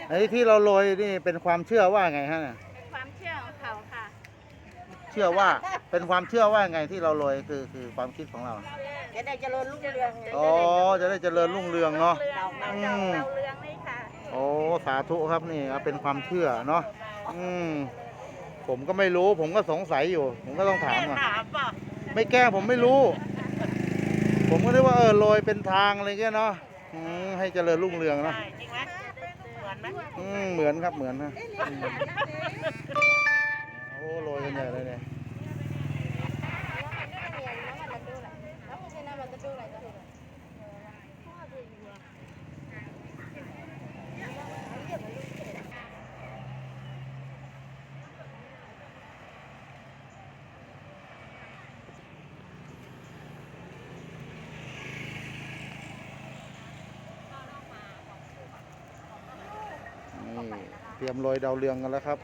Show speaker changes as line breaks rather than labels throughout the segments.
ไอ้ที่เราโรยนี่เป็นความเชื่อว่าไงฮะเนี่ย
เป็นความเชื่อของเขาค่ะ
เชื่อว่าเป็นความเชื่อว่าไงที่เราโรยคือความคิดของเรา
จะได้เจริญรุ่งเรืองไง
อ๋อจะได้เจริญรุ่งเรืองเนาะ
เราเรืองนี่ค่ะ
โอ้สาธุครับนี่ครับเป็นความเชื่อเนาะผมก็ไม่รู้ผมก็สงสัยอยู่ ผมก็ต้องถามก่อน
ถามป่ะ
ไม่แก้ผมไม่รู้ ผมก็นึกว่าโรยเป็นทางอะไรเงี้ยเนาะให้เจริญรุ่งเรืองเนาะ
ใช่จริงไหมเหมือนไหม
เหมือนครับเหมือนนะโอ้โรยกันใหญ่เลยเนี่ยนี่เตรียมโรยดาวเรืองกันแล้วครับ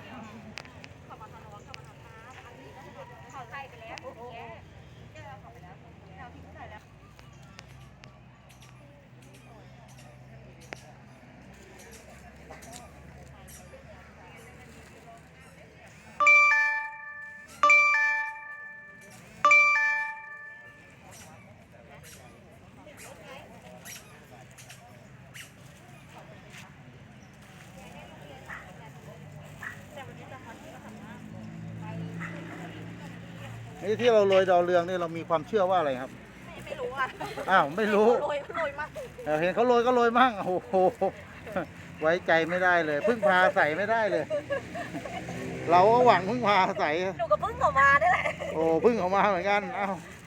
นี่ที่เราโรยดาวเรืองนี่เรามีความเชื่อว่าอะไรครับ
ไม่รู้อ่ะ
อ้าวไม่รู้
โรยมาก
เห็นเขาโรยก็โรยมั่งโอ้โหไว้ใจไม่ได้เลยพึ่งพาใส่ไม่ได้เลย เราก็หวังพึ่งพาใส่
หนูก็เพิ่งออกมาได้แหละ
โอ้พึ่งออกมาเหมือนกันเอ้า